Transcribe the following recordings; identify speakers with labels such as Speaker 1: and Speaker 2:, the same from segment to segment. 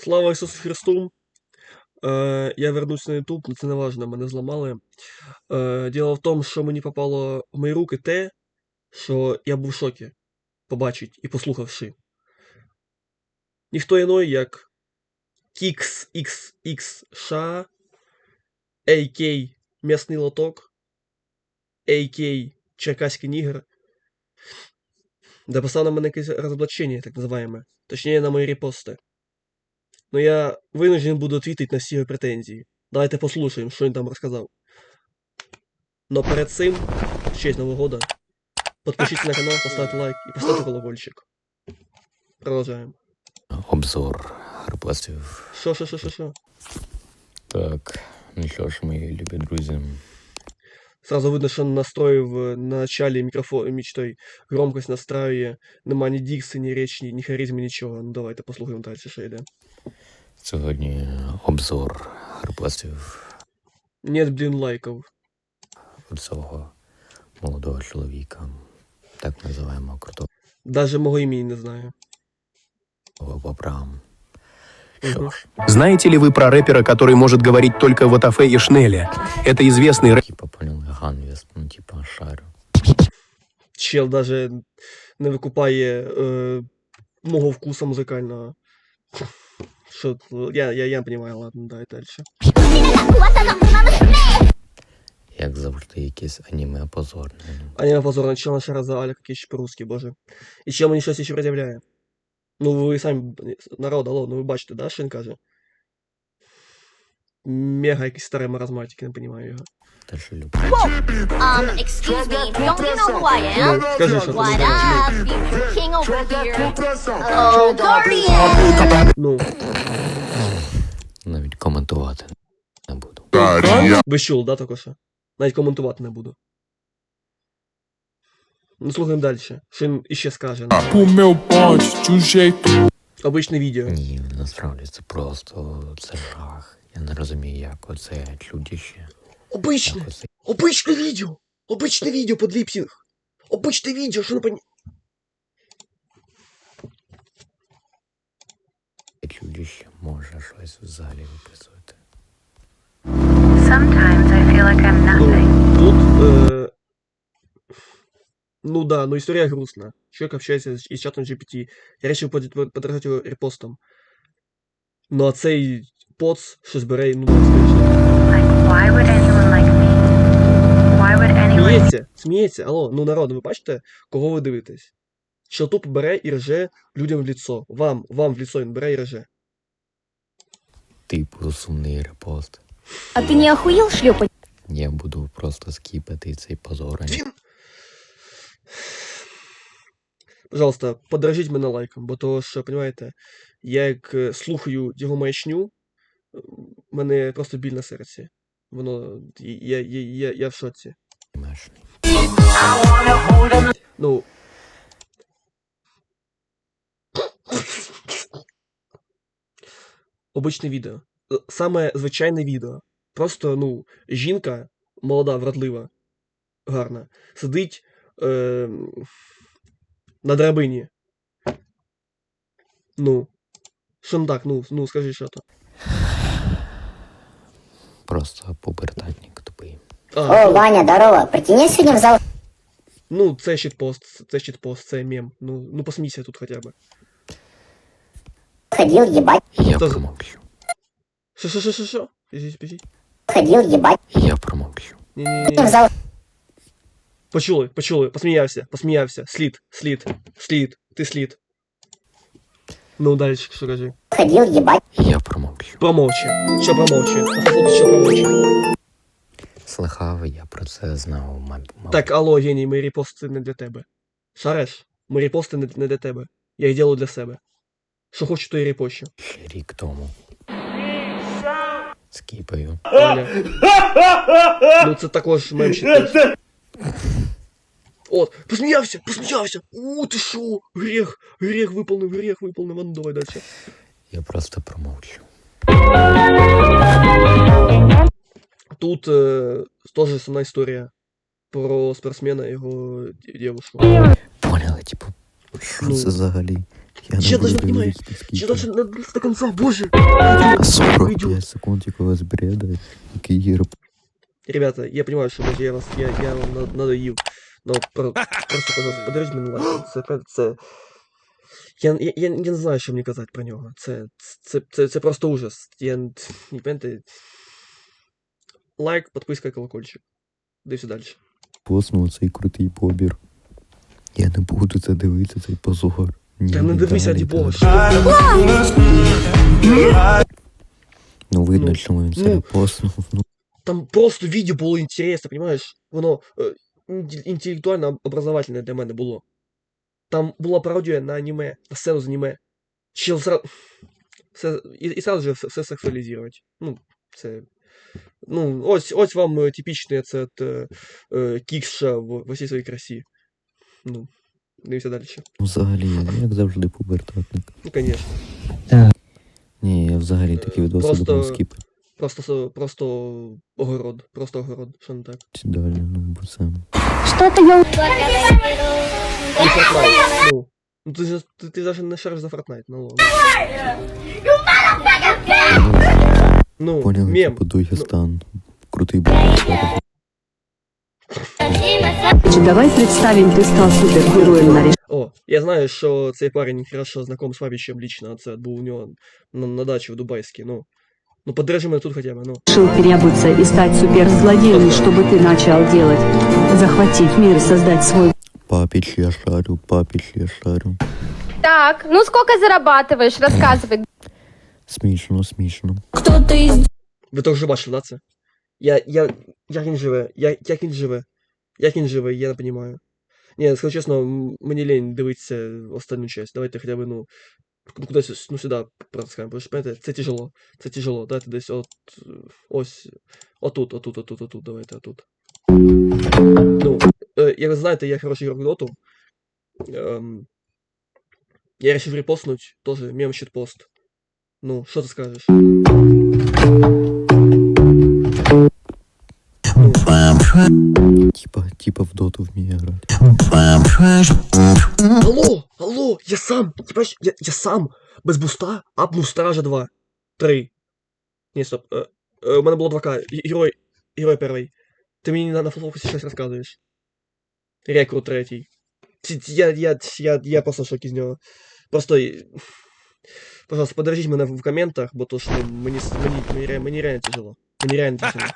Speaker 1: Слава Ісусу Христу! Я вернусь на YouTube, но це не важно, мене зламали. Діло в тому, що мені попало в мої руки те, що я був в шокі, побачить і послухавши. Ніхто іной, як Kix XX США, AK М'ясний лоток, AK Черкаський нігер, дописав на мене якесь розоблачення, так називаємо. Точніше, на мої репости. Но я вынужден буду ответить на всі його претензії. Давайте послушаем, що він там розказав. Но перед цим, в честь Нового года, подпишитесь на канал, поставьте лайк и поставьте колокольчик. Продолжаем.
Speaker 2: Обзор репостів.
Speaker 1: Що?
Speaker 2: Так, ну що ж, мої любі друзі.
Speaker 1: Сразу видно, що настроїв на началі мікрофон, той громкость настроює, нема ні дикції, ні речі, ні харизми, нічого. Ну давайте послухаємо далі, що йде.
Speaker 2: Сьогодні обзор репостів
Speaker 1: Нет, блін, лайків.
Speaker 2: цього молодого чоловіка, так називаємо крутого
Speaker 1: Даже мого імені не знаю.
Speaker 2: бобра. Що ж,
Speaker 3: Знаете ли вы про рэпера, который может говорить только в Атафе и Шнеле? Это известный рэпер.
Speaker 2: типа, поняли, Ганвіс, ну, типа, шарю.
Speaker 1: Чел даже не викупає мого вкуса музикального. Що, я не понимаю, ладно, давай дальше.
Speaker 2: Як завжди, якесь аніме позорне.
Speaker 1: Аніме позорно, чел наша раз за Аля, який ще по-русски, боже. І чел мені щось ще пред'являє. Ну ви самі, народ, алло, ну ви бачите, да, що він каже? Мега якийсь старий маразматик, не понимаю його.
Speaker 2: Те, що люблю.
Speaker 4: Excuse me, don't you know who I am?
Speaker 1: Ну, скажи, що
Speaker 4: What
Speaker 1: ти
Speaker 4: up, future king over here? Oh, Guardian!
Speaker 1: Ну,
Speaker 2: Навіть коментувати не буду.
Speaker 1: ви чули, да, тільки що? Навіть коментувати не буду. Ну, слухаємо далі. Що він іще скаже.
Speaker 5: O meu bonde de um jeito.
Speaker 1: Обичне відео.
Speaker 2: Ні, насправді це просто, це жах. Я не розумію, як оце чудіще.
Speaker 1: Обичне!
Speaker 2: Як оце
Speaker 1: Обичне відео! Обичне відео під ліпсінг! Обичне відео, що не поні...
Speaker 2: чудіще може щось взагалі виписувати.
Speaker 6: Sometimes I feel like I'm nothing.
Speaker 1: Тут, ну да, но история грустная. Человек общается из чатом GPT. Я решил подражать его репостом. Ну а цей поц, що збере, ну да, скоріше.
Speaker 6: Like, why would anyone like me? Why would anyone...
Speaker 1: Сміється, алло, ну народ, ви бачите, кого ви дивитесь? Що тупо бере і реже людям в лицо. Вам в лицо він бере і реже.
Speaker 2: Типу сумний репост.
Speaker 4: А ты не охуел шлепать?
Speaker 2: Я буду просто скіпати цей позор.
Speaker 1: Пожалуйста, подражіть мене лайком, бо того, що, понимаєте, я як слухаю його маячню, мене просто біль на серці. Воно, я в шоці.
Speaker 2: Мешний.
Speaker 1: Ну. Обичне відео. Саме звичайне відео. Просто, ну, жінка, молода, вродлива, гарна, сидить на драбині. Ну. Що не так? Ну, скажи, що то.
Speaker 2: Просто пубертатник тупий.
Speaker 7: О, Ваня, здорово. Притяни сегодня в зал.
Speaker 1: Ну, це щитпост, це мем. Ну посмійся тут хоча б.
Speaker 7: Ходил ебать.
Speaker 2: Я
Speaker 1: Хто-
Speaker 2: промовчу.
Speaker 1: Що? Підіть.
Speaker 7: Ходил ебать.
Speaker 2: Я промовчу.
Speaker 1: Ні.
Speaker 7: В зал.
Speaker 1: Почули. Посміявся. Слід. Ти слід. Ну, далі, що кажи.
Speaker 7: Ходил ебать.
Speaker 2: Я промовчу.
Speaker 1: Промовчи. Що промовчи? Що промовчи?
Speaker 2: Слухав, я про це знав, мабуть.
Speaker 1: Так, алло, геній, мої репости не для тебе. Шареш? Мої репости не для тебе. Я їх роблю для себе. Що хочу, то і репощу.
Speaker 2: Ще рік тому. Скіпаю.
Speaker 1: Оля. Ну це також мемщик. От, посміявся! Ти шо? Гріх виповнив. Ну давай далі.
Speaker 2: Я просто промовчу.
Speaker 1: Тут теж сумна історія про спортсмена і його дівчину.
Speaker 2: Поняли, типу, що
Speaker 1: Ну.
Speaker 2: це взагалі? Я
Speaker 1: Чел
Speaker 2: не
Speaker 1: даже
Speaker 2: буду
Speaker 1: не
Speaker 2: говорить,
Speaker 1: понимает.
Speaker 2: скільки.
Speaker 1: Чел даже до конца, боже.
Speaker 2: 45 секунд якогось бреда, який є
Speaker 1: Ребята, я понимаю, что может, я вам надоїв. Но просто, пожалуйста, подаруйте мені лайк. Це, правда, це... Я не знаю, що мені казати про нього. Це просто ужас. Не пам'ятаєте. Лайк, підписка, колокольчик. Дивіться далі.
Speaker 2: поснув цей крутий побір. Я не буду це дивитися, цей позор. Ні,
Speaker 1: Та не дивися, раді Бога.
Speaker 2: Ну видно,
Speaker 1: Ну,
Speaker 2: що він це
Speaker 1: ну.
Speaker 2: поснув. Ну,
Speaker 1: Там просто відео було інтересно, понимаєш? Воно інтелектуально образовательне для мене було. Там була пародія на аніме, на сцену з аніме. Чел і сразу же все сексуалізувати. Ну, це... Ну, ось вам типічний це кікша в усій своїй красі. Ну, дивимося далі.
Speaker 2: взагалі, як завжди, пубертатник.
Speaker 1: Ну, конечно.
Speaker 2: Ні, я взагалі такі відоси
Speaker 1: Просто-
Speaker 2: думаю скіпати
Speaker 1: Просто огород. Просто огород. Що не так?
Speaker 2: далі, ну, бо це...
Speaker 7: Что-то я...
Speaker 1: І Fortnite. Ну ти даже не шариш за Fortnite, ну ладно. Ну,
Speaker 2: Поняли,
Speaker 1: мем.
Speaker 2: типу, Дагестан. Крутий бубертатник.
Speaker 8: Давай представим, ты стал супергероем на
Speaker 1: О, я знаю, що цей парень хорошо знаком з Павічем лично, а це був у нього на дачі в Дубайській, ну. Ну, подержи мене тут хоча б, ну.
Speaker 8: решил переобуться и стать суперзлодеем, чтобы ты начал делать. Захватить мир, создать свой
Speaker 2: Папич, я шарю, папич, я шарю.
Speaker 4: Так, ну сколько зарабатываешь? Рассказывай.
Speaker 2: Смішно, смішно.
Speaker 1: Ви то вже бачили, да, це? Як він живе? Як він живе? Як він живе, я не розумію. Ні, скажу чесно, мені лень дивитися останню часть. Давайте хоча б, ну, кудись, ну, сюди протискаємо, тому що, пам'ятаєте, це тяжело, давайте десь ось, отут, давайте, отут. Ну, як ви знаєте, я хороший ігрок в доту. Я решив репостнуть, тоже мем щитпост. Ну, що ти скажеш?
Speaker 2: Типа в доту вміє грати.
Speaker 1: Алло, я сам, понимаешь, я сам, без буста, апнув Стража 2, 3. Ні, стоп, у мене було 2К, герой перший. Ти мені на фолфокусі щось розказуєш. Рекрут третій. Я просто в шокі з нього. Просто, пожалуйста, подержіть мене в коментах, бо то, що мені реально тяжело. Мені реально тяжело.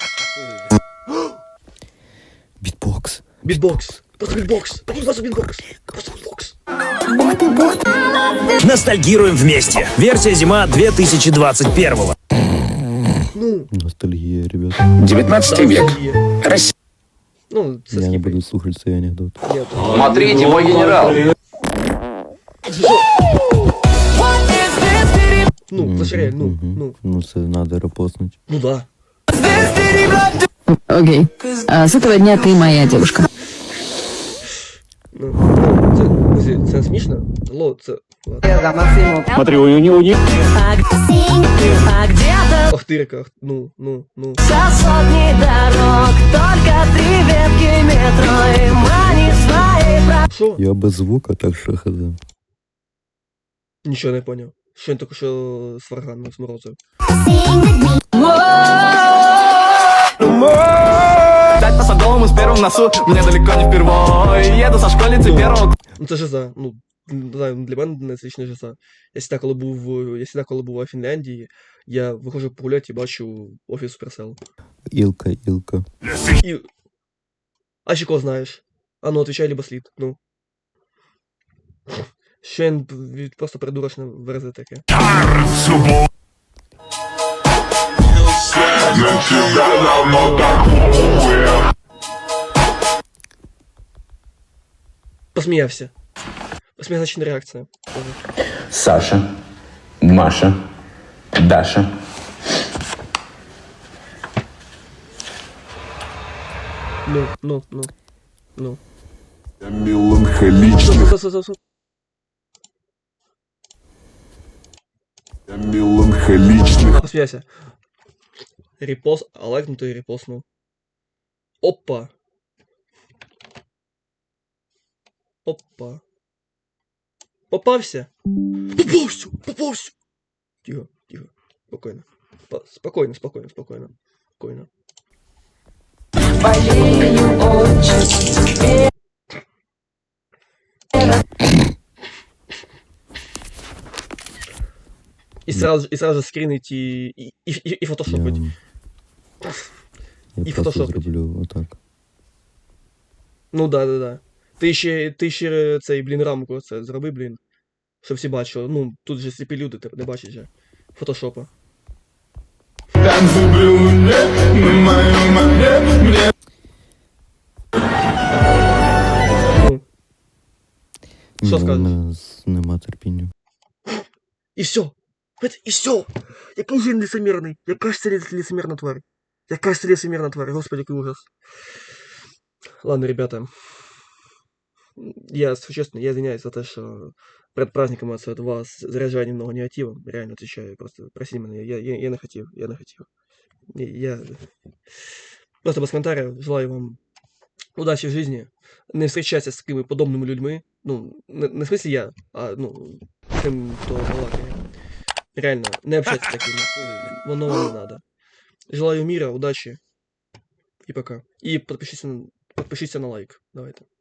Speaker 2: Бітбокс.
Speaker 1: Битбокс. Просто битбокс. Просто битбокс. Просто битбокс.
Speaker 9: Ностальгируем вместе. Версия зима 2021.
Speaker 1: Ну,
Speaker 2: Ностальгія, ребята.
Speaker 9: 19 век. Россия.
Speaker 1: ну, це
Speaker 2: Я не
Speaker 1: скіпи.
Speaker 2: буду слухати цей анекдот.
Speaker 1: Нет.
Speaker 9: Смотрите, мой генерал.
Speaker 1: Ну, заширяй, ну.
Speaker 2: Ну, це надо репостнути.
Speaker 1: Ну да.
Speaker 8: Окей. С этого дня ты моя девушка.
Speaker 1: Це смішно? Алло, це... Ладно.
Speaker 9: Смотри, у него не...
Speaker 1: Охтирка, ну. Що?
Speaker 2: Я без звука, так що хз.
Speaker 1: Нічого не поняв. Що він тільки що сварганно сморозив?
Speaker 9: Дать по Садовому с первым носу, мне далеко не впервой. Еду со школьницы первого.
Speaker 1: Ну це жиза, ну, не знаю, для мене це лічна жиза. Я всегда, коли був у Фінляндії, я виходжу погуляти і бачу офіс Supercell.
Speaker 2: Ілка.
Speaker 1: І... А ще кого знаєш? А ну, отвечай, либо слід, ну. Що він просто придурочно верзе таке. Посміявся. Посміявся реакція.
Speaker 10: Саша, Маша, Даша.
Speaker 1: Ну.
Speaker 3: Меланхоличных.
Speaker 1: Стоп.
Speaker 3: Меланхоличных.
Speaker 1: Посміявся. Репост, а лайкнутий репостнув. Опа. Попався? Попався! Попався! Тихо, тихо. Спокойно. Спокойно, спокойно, спокойно. Спокойно. И сразу же скринить и фотошопить.
Speaker 2: Я
Speaker 1: І
Speaker 2: просто
Speaker 1: фотошопить.
Speaker 2: зроблю отак.
Speaker 1: Ну да. Ти ще цей, блін, рамку це зроби, блін. Щоб всі бачили. Ну, тут же сліпі люди, ти не бачиш же. Фотошопа. Ну. Що
Speaker 2: Ні, у
Speaker 1: скажеш?
Speaker 2: мене нема терпіння.
Speaker 1: И все. И все. Який же він лицемірний. Яка ж це лицемірна тварь. Яка ж це лицемірна тварь. Господи, який ужас. Ладно, ребята. Я, честно, я извиняюсь за то, что перед праздником от вас заряжаю немного негативом. Реально отвечаю. Просто прости меня. Я не хотел. Я просто без комментариев. Желаю вам удачи в жизни. Не встречайся с такими подобными людьми. Ну, не в смысле я, а, ну, тем, кто балакает. Реально, не общайтесь с такими. Воно вам не надо. Желаю мира, удачи. И пока. И подпишитесь на лайк. Давайте.